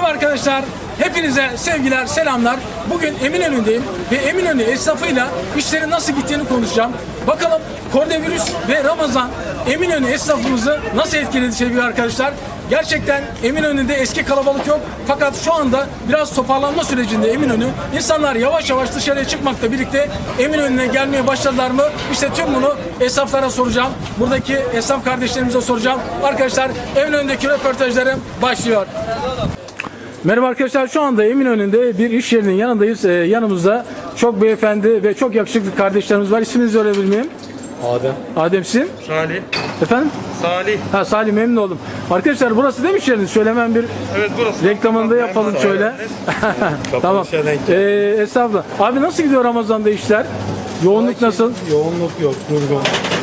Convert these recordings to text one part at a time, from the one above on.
Merhaba arkadaşlar, hepinize sevgiler, selamlar. Bugün Eminönü'ndeyim ve Eminönü esnafıyla işlerin nasıl gittiğini konuşacağım. Bakalım koronavirüs ve Ramazan Eminönü esnafımızı nasıl etkiledi sevgili arkadaşlar. Gerçekten Eminönü'nde eski kalabalık yok. Fakat şu anda biraz toparlanma sürecinde Eminönü. İnsanlar yavaş yavaş dışarıya çıkmakla birlikte Eminönü'ne gelmeye başladılar mı? İşte tüm bunu esnaflara soracağım. Buradaki esnaf kardeşlerimize soracağım. Arkadaşlar Eminönü'ndeki röportajlarım başlıyor. Merhaba arkadaşlar, şu anda Eminönü'nde bir iş yerinin yanındayız. Yanımızda çok beyefendi ve çok yakışıklı kardeşlerimiz var. İsminizi öğrenebilir miyim? Adem. Adem sizin? Salih. Efendim? Salih. Ha, Salih, memnun oldum. Arkadaşlar burası değil mi iş yeriniz? Şöyle hemen bir Evet, burası. reklamını da yapalım şöyle. Tamam. Estağfurullah. Abi nasıl gidiyor Ramazan'da işler? Yoğunluk nasıl? Yoğunluk yok, durgun.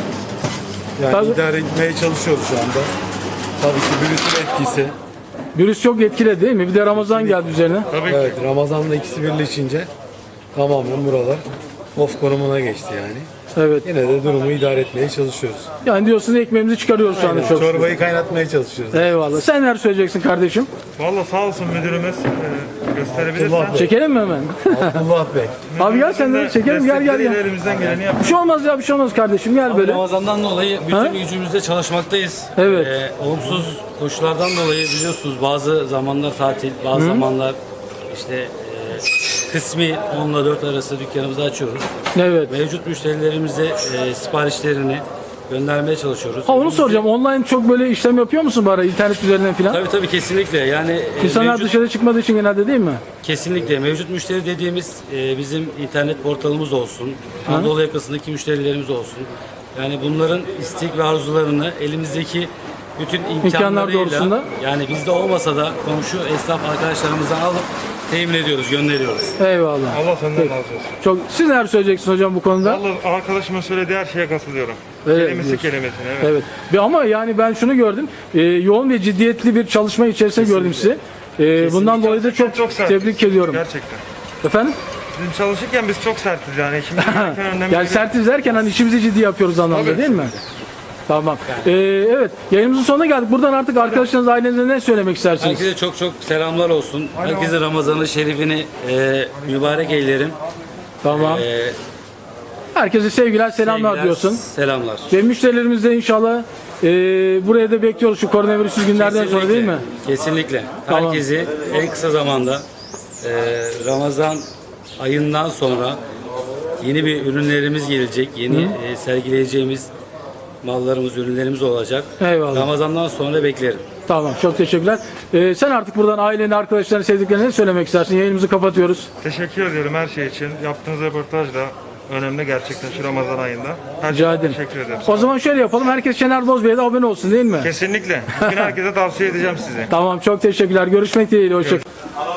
Yani Tabii. idare etmeye çalışıyoruz şu anda. Tabii ki virüsün etkisi. Virüs çok etkiledi değil mi? Bir de Ramazan geldi üzerine. Tabii ki. Evet, Ramazan'da ikisi birleşince tamamen buralar off konumuna geçti yani. Evet. Yine de durumu idare etmeye çalışıyoruz. Yani diyorsunuz ekmeğimizi çıkarıyoruz şu anda çok. Çorbayı kaynatmaya çalışıyoruz. Eyvallah. Sen neler söyleyeceksin kardeşim? Vallahi sağ olsun müdürümüz gösterebilirsen. Abdullah Bey. Çekelim mi hemen? Abdullah Bey. Abi gel sen de çekelim, gel. Elimizden geleni Bir yapıyoruz. şey olmaz ya, bir şey olmaz kardeşim, gel böyle. Ramazan'dan dolayı bütün Ha? gücümüzle çalışmaktayız. Evet. Olumsuz koşullardan dolayı biliyorsunuz bazı zamanlar tatil, bazı zamanlar işte kısmi 10 ile 4 arası dükkanımızı açıyoruz. Evet. Mevcut müşterilerimize siparişlerini göndermeye çalışıyoruz. Ha, onu soracağım. Online çok böyle işlem yapıyor musun bari internet üzerinden falan? Tabii kesinlikle. Yani İnsanlar mevcut, dışarı çıkmadığı için genelde değil mi? kesinlikle mevcut müşteri dediğimiz bizim internet portalımız olsun, Anadolu yakasındaki müşterilerimiz olsun. Yani bunların istek ve arzularını elimizdeki bütün imkanlarıyla, doğrultusunda. yani bizde olmasa da komşu esnaf arkadaşlarımızdan alıp temin ediyoruz, gönderiyoruz. Eyvallah. Allah senden razı olsun. Çok. Siz neler söyleyeceksiniz hocam bu konuda? Vallahi arkadaşımın söylediği her şeye katılıyorum. Evet, Kelimesi diyorsun. kelimesine, evet. Evet. Ama yani ben şunu gördüm. Yoğun ve ciddiyetli bir çalışma içerisinde gördüm sizi. Bundan dolayı da çok sertiz. tebrik ediyorum. Gerçekten. Efendim? Bizim çalışırken biz çok sertiz yani. Şimdi Yani sertiz derken hani işimizi ciddi yapıyoruz anlamda Tabii. değil mi? Tamam. Evet. Yayınımızın sonuna geldik. Buradan artık arkadaşlarınız, ailenize ne söylemek istersiniz? Herkese çok selamlar olsun. Herkese Ramazan-ı Şerif'ini mübarek eylerim. Tamam. Herkese sevgiler, selamlar Sevgiler, diyorsun. Selamlar. Ve müşterilerimiz de inşallah buraya da bekliyoruz şu koronavirüsüz günlerden sonra değil mi? Kesinlikle. Tamam. Herkesi en kısa zamanda Ramazan ayından sonra yeni bir ürünlerimiz gelecek. Yeni sergileyeceğimiz mallarımız, ürünlerimiz olacak. Eyvallah. Ramazan'dan sonra beklerim. Tamam, çok teşekkürler. Sen artık buradan aileni, arkadaşlarını, sevdiklerine ne söylemek istersin? Yayınımızı kapatıyoruz. teşekkür ediyorum her şey için. Yaptığınız röportaj da önemli gerçekten şu Ramazan ayında. Her Rica şey ederim. teşekkür ederim. O zaman şöyle yapalım. Herkes Şener Bozbey'e de abone olsun değil mi? Kesinlikle. Bugün herkese tavsiye edeceğim sizi. Tamam, çok teşekkürler. Görüşmek dileğiyle. Hoşçakalın.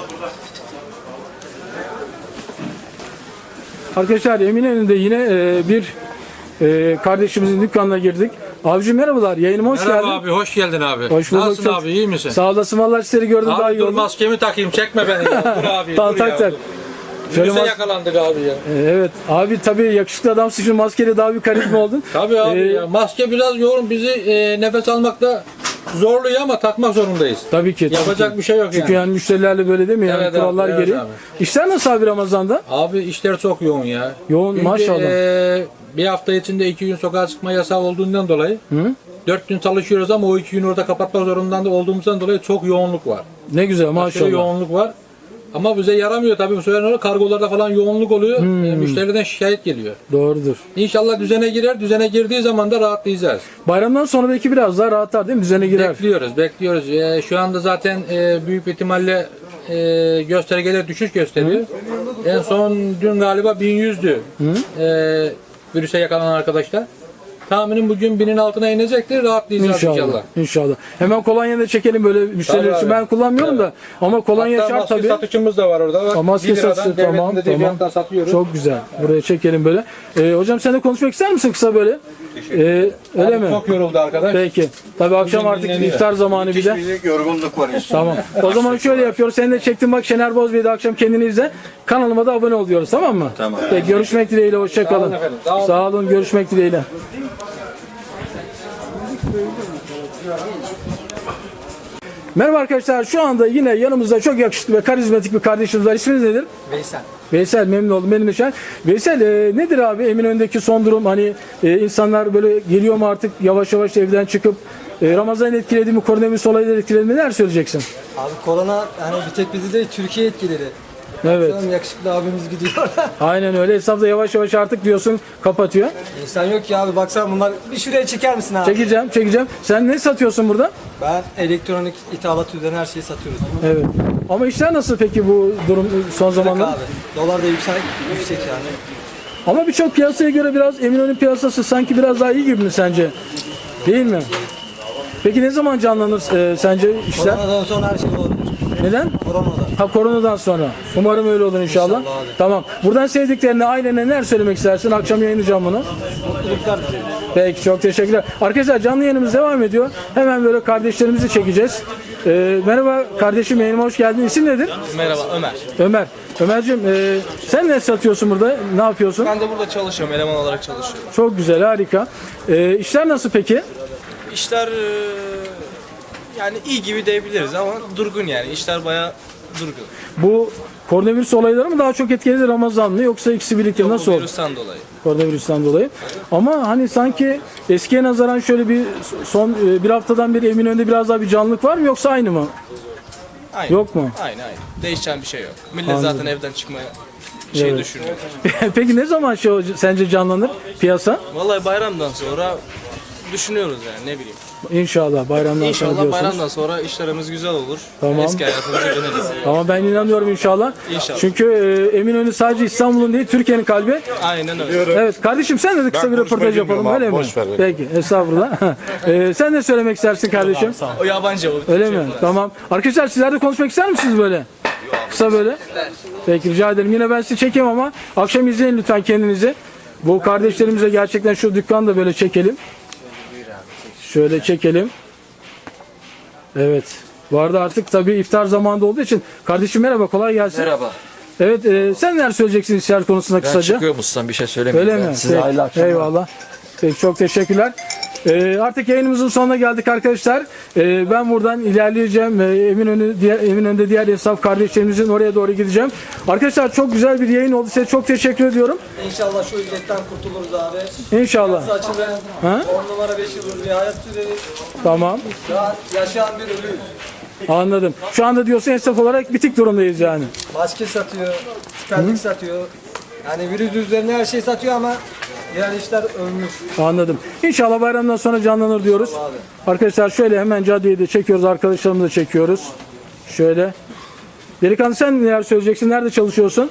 Arkadaşlar Eminönü'nde yine bir kardeşimizin dükkanına girdik. Abicim merhabalar. Yayınıma hoş Merhaba geldin. abi, hoş geldin abi. Hoş bulduk. Nasılsın Çok- abi, iyi misin? Sağ olasın. Vallahi sizleri gördüm daha Abi iyi dur oldu. maskemi takayım, çekme beni ya. Dur abi, Tamam, dur tak ya. tak. Dur. Şöyle Virüse mas- yakalandık abi ya. Evet. Abi tabii yakışıklı adamsın. Şu maskeyle daha bir karizma oldun. Tabii abi Ee, ya. Maske biraz yoğun, bizi nefes almakta zorluyor ama takmak zorundayız. Tabii ki. Yapacak bir şey yok Çünkü yani. yani müşterilerle böyle değil mi? Yani Evet abi, kurallar evet gereği. abi. İşler nasıl abi Ramazan'da? Abi işler çok yoğun ya. Yoğun, Çünkü, maşallah. Bir hafta içinde 2 gün sokağa çıkma yasağı olduğundan dolayı 4 gün çalışıyoruz ama o 2 gün orada kapatmak zorunda da olduğumuzdan dolayı çok yoğunluk var. Ne güzel Aşırı maşallah. yoğunluk var. Ama bize yaramıyor tabii bu sefer ne oluyor? Kargolarda falan yoğunluk oluyor. Müşteriden şikayet geliyor. Doğrudur. İnşallah düzene girer. Düzene girdiği zaman da rahatlayacağız. Bayramdan sonra belki biraz daha rahatlar değil mi? Düzene girer. Bekliyoruz. Şu anda zaten büyük bir ihtimalle göstergeler düşüş gösteriyor. En son dün galiba 1100'dü virüse yakalanan arkadaşlar. Tahminim bugün 1000'in altına inecektir. Rahatlayacağız inşallah. İnşallah. Hemen kolonya da çekelim böyle müşteriler Tabii için. abi. Ben kullanmıyorum da ama kolonya Hatta şart maske tabii. satışımız da var orada. Bak, Maske 1 liradan satışı devletin tamam dediği tamam. fiyattan satıyoruz. Çok güzel. Buraya çekelim böyle. Hocam sen de konuşmak ister misin kısa böyle? Öyle Abi mi? çok yoruldu arkadaş. Peki. Tabii akşam Bugün artık dinleniyor. iftar zamanı bir de. Yorgunluk var. Tamam. O zaman şöyle yapıyoruz. Sen de çektin bak Şener Bozbey'de akşam kendini izle. Kanalıma da abone ol diyoruz tamam mı? Tamam. Peki, görüşmek dileğiyle. Hoşça Sağ kalın. olun efendim, sağ olun. Sağ olun. Görüşmek dileğiyle. Merhaba arkadaşlar. Şu anda yine yanımızda çok yakışıklı ve karizmatik bir kardeşimiz var. İsminiz nedir? Veysel. Veysel, memnun oldum. Benim de Şen. Veysel, nedir abi Eminönü'ndeki son durum? Hani insanlar böyle geliyor mu artık yavaş yavaş evden çıkıp Ramazan etkiledi mi, koronavirüs olayları etkiledi mi? Neler söyleyeceksin? Abi korona yani bir tek bizi değil Türkiye etkiledi. Evet. Bakalım yakışıklı abimiz gidiyor. Aynen öyle. Hesap da yavaş yavaş artık diyorsun kapatıyor. İnsan yok ya abi baksana bunlar bir şuraya çeker misin abi? Çekeceğim. Sen ne satıyorsun burada? Ben elektronik ithalat üzerine her şeyi satıyoruz. Evet. Ama işler nasıl peki bu durum son Bak zamanlarda? abi dolar da yüksek yani. Ama birçok piyasaya göre biraz Eminönü piyasası sanki biraz daha iyi gibi mi sence? Değil mi? Peki ne zaman canlanır sence işler? Koronadan sonra her şey olur. Neden? Koronadan. Ha, koronadan sonra. Umarım öyle olur inşallah. İnşallah abi. Tamam. Buradan sevdiklerine, ailene neler söylemek istersin? Akşam yayınlayacağım bunu. Mutluluklar dilerim. Peki, çok teşekkürler. Arkadaşlar canlı yayınımız devam ediyor. Hemen böyle kardeşlerimizi çekeceğiz. Merhaba kardeşim, yayınıma hoş geldin. İsim nedir? Merhaba Ömer. Ömer. Ömerciğim, sen ne satıyorsun burada? Ne yapıyorsun? Ben de burada çalışıyorum, eleman olarak çalışıyorum. Çok güzel, harika. İşler nasıl peki? İşler yani iyi gibi diyebiliriz ama durgun yani. İşler bayağı durgun. Bu koronavirüs olayları mı daha çok etkiledi, Ramazan mı, yoksa ikisi birlikte nasıl Bu oldu? virüsten dolayı. Koronavirüsten dolayı. Ama hani sanki eskiye nazaran şöyle bir son bir haftadan beri Eminönü'nde biraz daha bir canlılık var mı, yoksa aynı mı? Aynı. Yok mu? Aynı. Değişen bir şey yok. Millet Anladım. zaten evden çıkmaya Evet. düşünüyor. Peki ne zaman sence canlanır piyasa? Vallahi bayramdan sonra düşünüyoruz yani ne bileyim. İnşallah bayramdan sonra İnşallah diyorsunuz. bayramdan sonra işlerimiz güzel olur. Tamam. Eski hayatımıza döneriz. Ama ben inanıyorum inşallah. İnşallah. Çünkü Eminönü sadece İstanbul'un değil, Türkiye'nin kalbi. Aynen öyle. Evet kardeşim, sen de kısa bir röportaj yapalım, öyle mi? Peki, estağfurullah. Sen ne söylemek istersin kardeşim? O yabancı o. Öyle mi? Tamam. Arkadaşlar sizler de konuşmak ister misiniz böyle? Kısa böyle. Peki, rica ederim. Yine ben sizi çekeyim ama akşam izleyin lütfen kendinizi. Bu kardeşlerimize gerçekten şu dükkanı da böyle çekelim. Şöyle çekelim. Evet. Bu arada artık tabii iftar zamanında olduğu için. Kardeşim merhaba, kolay gelsin. Merhaba. Evet, sen neler söyleyeceksin işler konusunda Ben kısaca? çıkıyorum ustam, bir şey söylemeyeyim. Öyle ben. mi? Size Peki, hayırlı akşamlar. eyvallah. Peki, çok teşekkürler. Artık yayınımızın sonuna geldik arkadaşlar. Ben buradan ilerleyeceğim. Eminönü'nde diğer esnaf kardeşlerimizin oraya doğru gideceğim. Arkadaşlar çok güzel bir yayın oldu. Size çok teşekkür ediyorum. İnşallah şu illetten kurtuluruz abi. İnşallah. Açılır. Ha? 10 numara 5 yıldır bir hayat süreriz. Tamam. Daha yaşayan bir ölüyüz. Anladım. Şu anda diyorsun esnaf olarak bitik durumdayız yani. Maske satıyor, süperlik satıyor. Yani virüs üzerine her şey satıyor ama diğer işler ölmüş. Anladım. İnşallah bayramdan sonra canlanır diyoruz. Arkadaşlar şöyle hemen caddeyi de çekiyoruz. Arkadaşlarımızı da çekiyoruz. Şöyle. Delikanlı, sen neler söyleyeceksin? Nerede çalışıyorsun?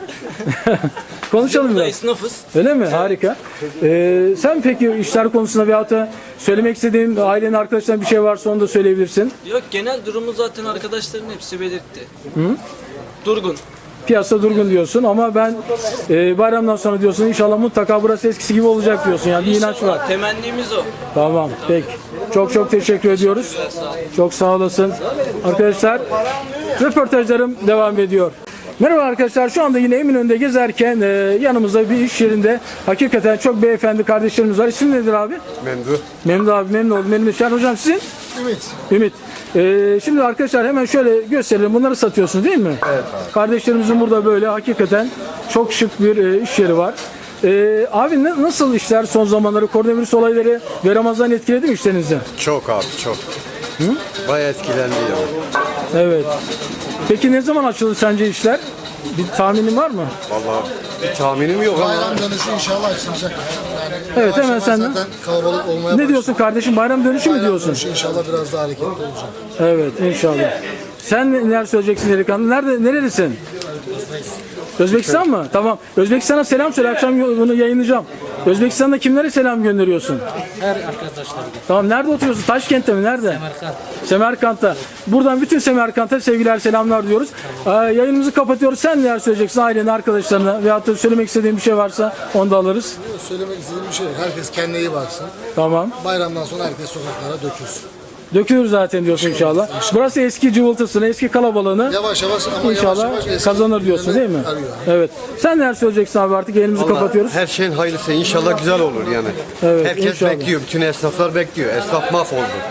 Konuşalım biraz. Esnafız. Öyle mi? Harika. Sen peki işler konusunda veyahut da söylemek istediğin ailenin, arkadaşların bir şey varsa onu da söyleyebilirsin. Yok, genel durumu zaten arkadaşların hepsi belirtti. Durgun. Piyasa durgun diyorsun ama ben bayramdan sonra diyorsun inşallah mutlaka burası eskisi gibi olacak diyorsun. Yani bir inanç var. Temennimiz o. Tamam. Peki. Çok teşekkür ediyoruz. Çok sağ olasın. Arkadaşlar röportajlarım devam ediyor. Merhaba arkadaşlar, şu anda yine Eminönü'nde gezerken yanımızda bir iş yerinde hakikaten çok beyefendi kardeşlerimiz var. İsim nedir abi? Memdu. Memdu abi, memnun oldum. Benim de Şen hocam, sizin? Ümit. Şimdi arkadaşlar hemen şöyle gösterelim. Bunları satıyorsunuz değil mi? Evet abi. Kardeşlerimizin burada böyle hakikaten çok şık bir iş yeri var. Abi nasıl işler son zamanları, koronavirüs olayları ve Ramazan etkiledi mi işlerinizi? Çok abi çok. Bayağı etkilendi ya. Evet. Peki ne zaman açılır sence işler? Bir tahminin var mı? Vallahi bir tahminim yok ama Bayram dönüşü inşallah açılacak. Yani Evet, yavaş hemen yavaş senden. zaten kalabalık olmaya Ne başladı. diyorsun kardeşim? Bayram dönüşü mü Bayram diyorsun? dönüşü inşallah biraz daha hareketli olacak. Evet, inşallah. Sen neler söyleyeceksin delikanlı? Nerelisin? Özbekistan mı? Tamam. Özbekistan'a selam söyle. Akşam bunu yayınlayacağım. Özbekistan'da kimlere selam gönderiyorsun? Her arkadaşlar. Tamam. Nerede oturuyorsun? Taşkent'te mi? Nerede? Semerkant'ta. Buradan bütün Semerkant'a sevgiler, selamlar diyoruz. Yayınımızı kapatıyoruz. Sen neler söyleyeceksin ailene, arkadaşlarına veyahut da söylemek istediğin bir şey varsa onu da alırız. Söylemek istediğim bir şey yok. Herkes kendine iyi baksın. Tamam. Bayramdan sonra herkes sokaklara dökülsün. Dökülür zaten diyorsun inşallah. Burası eski cıvıltısını, eski kalabalığını Yavaş yavaş ama İnşallah yavaş yavaş kazanır diyorsun değil mi? arıyor. Evet. Sen neler söyleyeceksin abi, artık yayınımızı kapatıyoruz. her şeyin hayırlısı inşallah güzel olur yani. Evet, Herkes inşallah. bekliyor, bütün esnaflar bekliyor. Esnaf mahvoldu.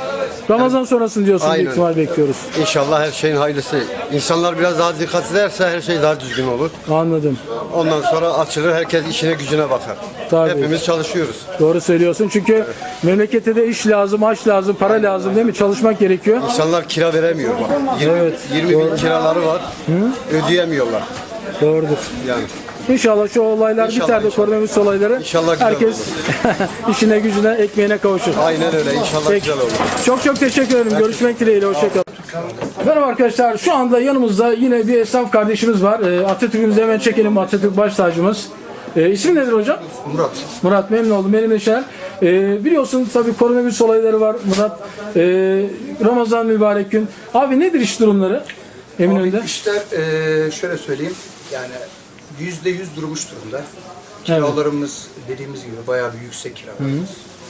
Ramazan sonrasını diyorsun, büyük Aynen. ihtimal bekliyoruz. İnşallah her şeyin hayırlısı. İnsanlar biraz daha dikkat ederse her şey daha düzgün olur. Anladım. Ondan sonra açılır, herkes işine gücüne bakar. Tabii. Hepimiz çalışıyoruz. Doğru söylüyorsun çünkü memlekette de iş lazım, aş lazım, para lazım değil mi? Çalışmak gerekiyor. İnsanlar kira veremiyor bak. 20 bin kiraları var. Ödeyemiyorlar. Doğrudur. Yani. İnşallah şu olaylar İnşallah, biter de inşallah. koronavirüs olayları İnşallah güzel herkes işine gücüne ekmeğine kavuşur. Aynen öyle. İnşallah Peki. güzel olur. Çok teşekkür ederim. Görüşmek dileğiyle. Hoşçakalın. Merhaba arkadaşlar. Şu anda yanımızda yine bir esnaf kardeşimiz var. Atatürk'ümüzü hemen çekelim. Atatürk baş tacımız. İsmi nedir hocam? Murat. Murat, memnun oldum. Benim de Şener. Biliyorsun tabii koronavirüs olayları var Murat. Ramazan mübarek gün. Abi nedir iş durumları Eminönü'nde? İşler şöyle söyleyeyim, yani %100 durmuş durumda. Kiralarımız dediğimiz gibi bayağı bir yüksek kiralarımız.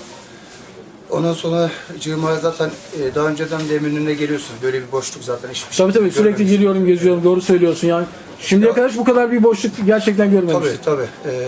Ondan sonra cığıma zaten daha önceden de Eminönü'ne geliyorsunuz. Böyle bir boşluk zaten hiçbir şey Tabii sürekli görmemişsiniz. giriyorum, geziyorum. Doğru söylüyorsun yani. Şimdiye kadar hiç bu kadar bir boşluk gerçekten görmemiştim. Tabii.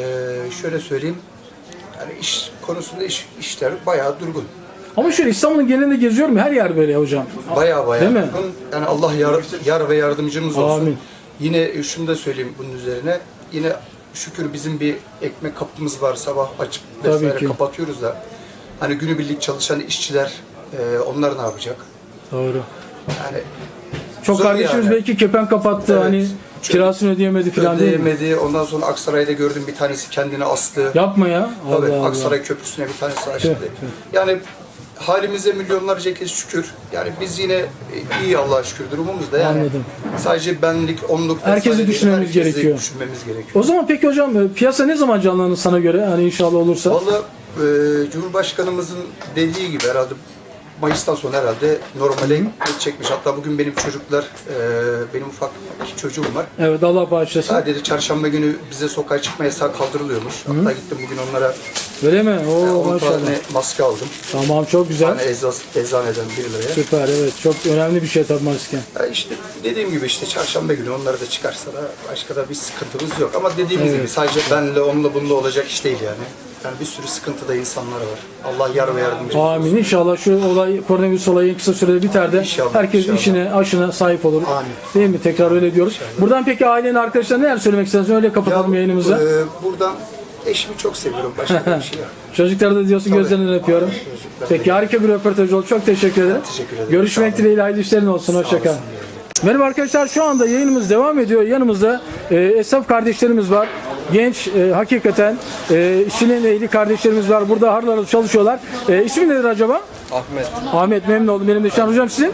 Şöyle söyleyeyim, yani iş konusunda işler bayağı durgun. Ama şöyle İstanbul'un genelinde geziyorum her yer böyle hocam. Bayağı Değil mi? durgun. Yani Allah yar ve yardımcımız olsun. Amin. Yine şunu da söyleyeyim bunun üzerine. Yine şükür bizim bir ekmek kapımız var. Sabah açıp Tabii vesaire ki. kapatıyoruz da. Hani günübirlik çalışan işçiler onlar ne yapacak? Doğru. Yani Çok zor kardeşimiz yani. belki kepen kapattı Evet. hani kirasını ödeyemedi falan değil mi? ödeyemedi. Ondan sonra Aksaray'da gördüm bir tanesi kendini astı. Yapma ya. Tabii Allah Allah. Aksaray Köprüsü'ne bir tanesi açtı. Tüh, tüh. Yani halimize milyonlarca kez şükür. Yani biz yine iyi Allah'a şükür durumumuzda. Yani Anladım. sadece benlik, onluk vesaire Herkesi değil, düşünmemiz herkesi gerekiyor. düşünmemiz gerekiyor. O zaman peki hocam piyasa ne zaman canlanır sana göre? Hani inşallah olursa. Vallahi Cumhurbaşkanımızın dediği gibi herhalde Mayıs'tan sonra herhalde normale geçecekmiş. Hatta bugün benim çocuklar, benim ufak iki çocuğum var. Evet Allah bağışlasın. Sadece çarşamba günü bize sokağa çıkma yasağı kaldırılıyormuş. Hatta gittim bugün onlara Öyle mi? Oo 10 maşallah. tane maske aldım. Tamam çok güzel. Yani eczaneden 1 liraya. Süper evet. Çok önemli bir şey tabii maske. Ya işte dediğim gibi işte çarşamba günü onları da çıkarsa da başka da bir sıkıntımız yok. Ama dediğimiz Evet. gibi sadece benle onunla bununla olacak iş değil yani. Yani bir sürü sıkıntıda insanlar var. Allah yar ve yardımcı olsun. Amin. İnşallah şu olay, koronavirüs olayı en kısa sürede biter de İnşallah, herkes inşallah. işine, aşına sahip olur. Amin. Değil mi? Tekrar öyle diyoruz. Buradan peki ailenin arkadaşlarına neler söylemek istersin? Öyle kapatalım yayınımızı. Buradan eşimi çok seviyorum. Başka bir şey yok. Çocukları da diyorsun gözlerinden öpüyorum. Peki harika bir röportaj oldu. Çok teşekkür ederim. Teşekkür ederim. Görüşmek dileğiyle hayırlı işlerin olsun. Hoşça kal. Merhaba arkadaşlar şu anda yayınımız devam ediyor. Yanımızda esnaf kardeşlerimiz var. Genç hakikaten işinin ehli kardeşlerimiz var. Burada harıl harıl çalışıyorlar. İsmi nedir acaba? Ahmet. Ahmet memnun oldum. Benim de Şahan hocam sizin?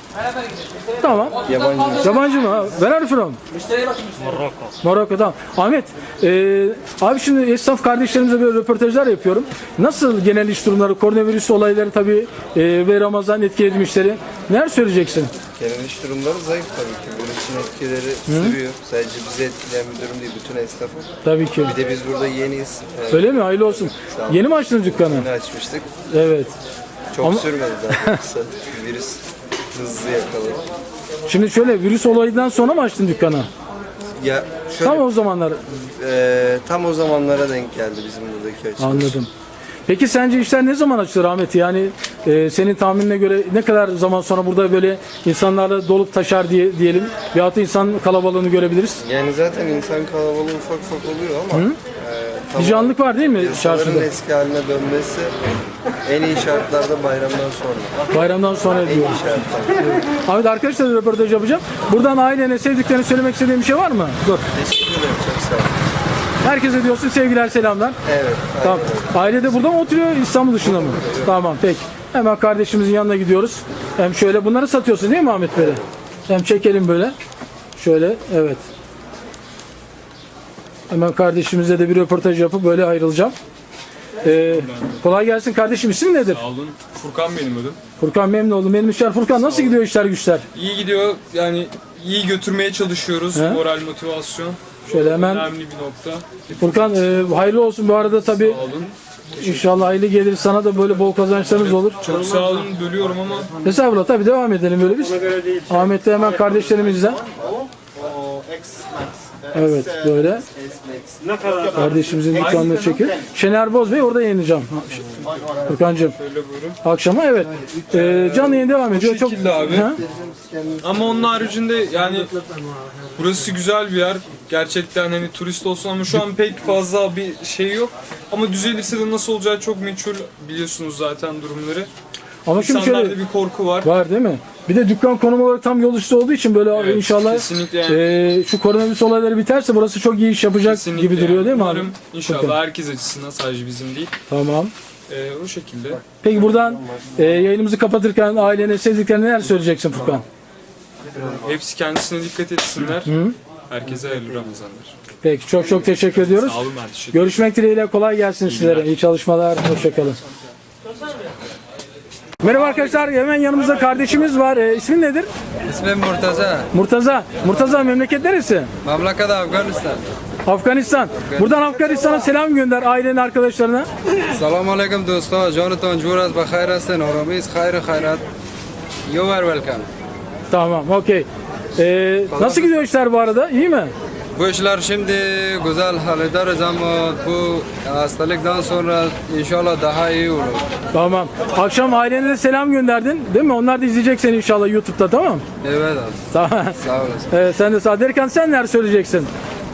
Tamam. Yabancı. Yabancı mı? Where are you from? Morocco tamam. Ahmet, abi şimdi esnaf kardeşlerimize böyle röportajlar yapıyorum. Nasıl genel iş durumları, koronavirüs olayları tabii ve Ramazan etkiledi işleri. Neler söyleyeceksin? Genel iş durumları zayıf tabii ki. Virüsün etkileri sürüyor. Sadece bizi etkileyen bir durum değil, bütün esnafı. Tabii ki. Bir de biz burada yeniyiz. Öyle mi? Hayırlı olsun. Sağ olun. Yeni mi açtınız dükkanı? Yeni açmıştık. Evet. Çok Ama- sürmedi zaten kısa. Virüs hızlı yakaladı. Şimdi şöyle virüs olayından sonra mı açtın dükkanı? Ya şöyle, Tam o zamanlar. tam o zamanlara denk geldi bizim buradaki açılış. Anladım. Peki sence işler ne zaman açılır Ahmet? Yani senin tahminine göre ne kadar zaman sonra burada böyle insanlarla dolup taşar diyelim veyahut da insan kalabalığını görebiliriz? Yani zaten insan kalabalığı ufak ufak oluyor ama Bir canlılık var değil mi yasaların çarşıda? eski haline dönmesi en iyi şartlarda bayramdan sonra. Bayramdan sonra En iyi diyoruz. şartlarda. Ahmet arkadaşlarla röportaj yapacağım. Buradan ailene, sevdiklerine söylemek istediğin bir şey var mı? Dur. Teşekkür ederim, çok sağ olun. Herkese diyorsun sevgiler, selamlar. Evet. Tamam. Aile de burada mı oturuyor, İstanbul dışında mı? Tamam, peki. Hemen kardeşimizin yanına gidiyoruz. Hem şöyle bunları satıyorsun değil mi Ahmet böyle? Hem çekelim böyle. Şöyle, evet. Hemen kardeşimizle de bir röportaj yapıp böyle ayrılacağım. Kolay gelsin kardeşim. İsim nedir? Sağ olun. Furkan benim adım. Furkan memnun oldum. Benim işler Furkan. Nasıl gidiyor işler güçler? İyi gidiyor. Yani iyi götürmeye çalışıyoruz. He? Moral, motivasyon. Şöyle hemen Önemli bir nokta. Furkan hayırlı olsun bu arada tabii. Sağ olun. İnşallah hayırlı gelir. Sana da böyle bol kazançlarınız olur. Çok sağ olun. Bölüyorum ama Estağfurullah tabii devam edelim böyle biz. Ahmet de hemen kardeşlerimizden. Evet böyle. Kardeşimizin dükkanını çekiyor. Şener Boz Bey orada yayınlayacağım. Furkancığım. Şöyle buyurun. Akşama evet. Canlı yayın devam ediyor. Çok şekilde abi. Ha? Ama onun haricinde yani burası güzel bir yer. Gerçekten hani turist olsun ama şu an pek fazla bir şey yok. Ama düzelirse de nasıl olacağı çok meçhul, biliyorsunuz zaten durumları. Ama şimdi İnsanlarda şöyle bir korku var. var değil mi? Bir de dükkan konum olarak tam yol üstü olduğu için böyle Evet, inşallah kesinlikle şu koronavirüs olayları biterse burası çok iyi iş yapacak Kesinlikle gibi duruyor değil mi abi? Umarım İnşallah herkes açısından, sadece bizim değil. Tamam. O şekilde. Peki buradan yayınımızı kapatırken ailene, sevdiklerine neler söyleyeceksin Furkan? Hepsi kendisine dikkat etsinler. Herkese hayırlı Ramazanlar. Peki çok çok teşekkür ediyoruz. Sağ olun, ben teşekkür ederim. Görüşmek dileğiyle, kolay gelsin sizlere. İyi çalışmalar, hoşçakalın. Merhaba arkadaşlar, hemen yanımızda kardeşimiz var. İsmin nedir? İsmim Murtaza. Murtaza. Murtaza, memleket neresi? Memleket Afganistan. Afganistan. Buradan Afganistan'a selam gönder ailenin, arkadaşlarına. Selamun aleyküm dostlar. Jonathan Juras bakhair hasten. Aramis hayrat. You are welcome. Tamam, okey. Nasıl gidiyor işler bu arada? İyi mi? Bu işler şimdi güzel hallederiz ama bu hastalıktan sonra inşallah daha iyi olur. Tamam. Akşam ailene de selam gönderdin, değil mi? Onlar da izleyecek seni inşallah YouTube'da, tamam? Evet abi. Tamam. Sağ olasın. Sen de sağ. Derken sen neler söyleyeceksin?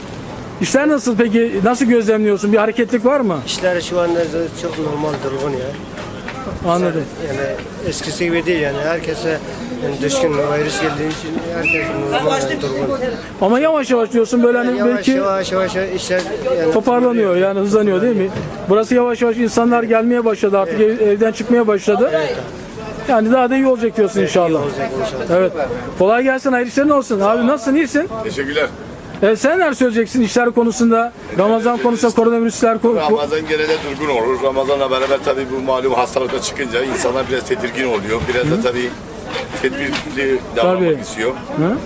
İşler nasıl peki? Nasıl gözlemliyorsun? Bir hareketlik var mı? İşler şu anda çok normal, durgun ya. Anladım. Yani eskisi gibi değil yani. Herkese yani düşkün, virüs geldiği için herkes normal, durgun. Ama yavaş yavaş diyorsun böyle hani Yavaş belki yavaş işler yani toparlanıyor yani, hızlanıyor değil mi? Burası yavaş yavaş insanlar gelmeye başladı artık, evden çıkmaya başladı. Yani daha da iyi olacak diyorsun inşallah. Evet. Kolay gelsin, hayırlı işlerin olsun. Abi nasılsın, iyisin? Teşekkürler. Sen neler söyleyeceksin işler konusunda, Ramazan konusunda, koronavirüsler Ramazan genelde durgun olur. Ramazanla beraber tabii bu malum hastalıkta çıkınca insanlar biraz tedirgin oluyor. Biraz da tabii tedbirli davranmak istiyor. Hı?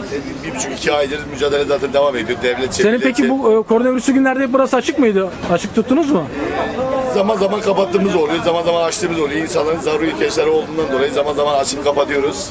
1,5-2 aydır mücadele zaten devam ediyor. Devlet çevre. Senin peki bu koronavirüsü günlerde burası açık mıydı? Açık tuttunuz mu? Zaman zaman kapattığımız oluyor, zaman zaman açtığımız oluyor. İnsanların zaruri ihtiyaçları olduğundan dolayı zaman zaman açıp kapatıyoruz.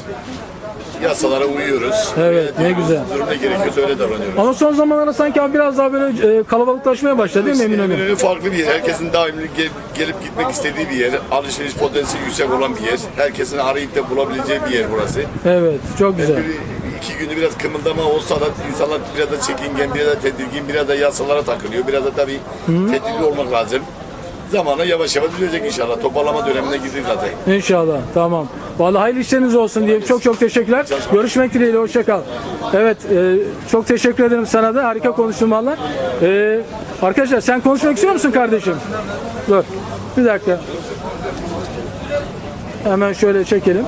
Yasalara uyuyoruz. Evet, ne güzel. Durum ne gerekiyorsa öyle davranıyoruz. Ama son zamanlarda sanki abi biraz daha böyle kalabalıklaşmaya başladı değil mi Eminönü? Eminönü farklı bir yer. Herkesin daimi gelip gitmek istediği bir yer. Alışveriş potansiyeli yüksek olan bir yer. Herkesin arayıp da bulabileceği bir yer burası. Evet, çok güzel. İki günü biraz kımıldama olsa da insanlar biraz da çekingen, biraz da tedirgin, biraz da yasalara takılıyor. Biraz da tabii tedbirli olmak lazım. Zamanla yavaş yavaş düzelecek inşallah. Toparlama dönemine girdik zaten. İnşallah, tamam. Vallahi hayırlı işleriniz olsun diyeyim. Çok çok teşekkürler. Görüşmek dileğiyle, hoşça kal. Evet, çok teşekkür ederim sana da. Harika konuştun valla. Arkadaşlar sen konuşmak istiyor musun kardeşim? Dur, bir dakika. Hemen şöyle çekelim.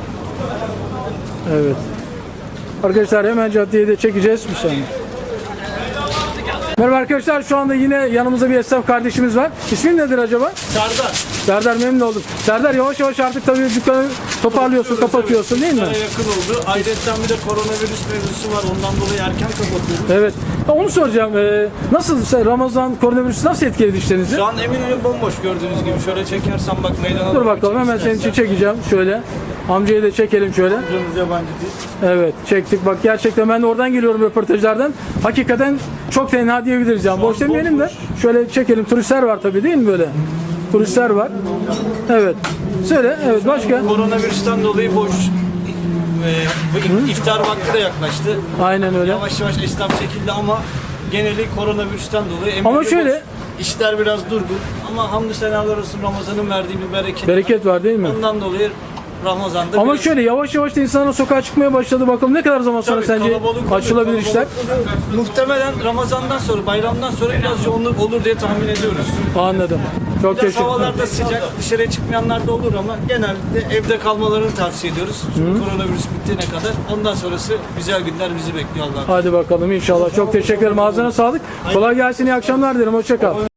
Evet. Arkadaşlar hemen caddeyi de çekeceğiz. Bir saniye. Merhaba arkadaşlar, şu anda yine yanımızda bir esnaf kardeşimiz var. İsmin nedir acaba? Serdar. Serdar, memnun oldum. Serdar, yavaş yavaş artık tabii dükkanı toparlıyorsun, kapatıyorsun değil mi? Yakın oldu. Ayrıca bir de koronavirüs mevzusu var. Ondan dolayı erken kapatıyoruz. Evet. Onu soracağım. Nasıl Ramazan koronavirüsü nasıl etkiledi işlerinizi? Şu an Eminönü bomboş gördüğünüz gibi. Şöyle çekersen bak meydana. Dur bakalım, hemen senin için çekeceğim. Şöyle. Amcayı da çekelim şöyle. Amcamız yabancı değil. Evet, çektik. Bak gerçekten ben de oradan geliyorum, röportajlardan. Hakikaten çok tenha diyebiliriz yani. Boş demeyelim de. Şöyle çekelim. Turistler var tabii değil mi böyle? Turistler var. Evet. Söyle. Evet, başka? Koronavirüsten dolayı boş. İftar vakti de yaklaştı. Aynen öyle. Yavaş yavaş esnaf çekildi ama geneli koronavirüsten dolayı Eminönü ama şöyle boş. İşler biraz durgun ama hamdü senalar olsun, Ramazan'ın verdiği bir bereket var değil mi? Ondan dolayı Ramazan'da ama biraz... şöyle yavaş yavaş da insanlar sokağa çıkmaya başladı. Bakalım ne kadar zaman sonra sence açılabilir işler? Muhtemelen Ramazan'dan sonra, bayramdan sonra biraz yoğunluk olur diye tahmin ediyoruz. Anladım. Çok biraz teşekkür ederim. Havalar da sıcak, dışarıya çıkmayanlar da olur ama genelde evde kalmalarını tavsiye ediyoruz. Koronavirüs bittiğine kadar. Ondan sonrası güzel günler bizi bekliyor Allah'ım. Hadi bakalım inşallah. Çok teşekkür ederim. Ağzına sağlık. Kolay gelsin. İyi akşamlar dilerim. Hoşça kal.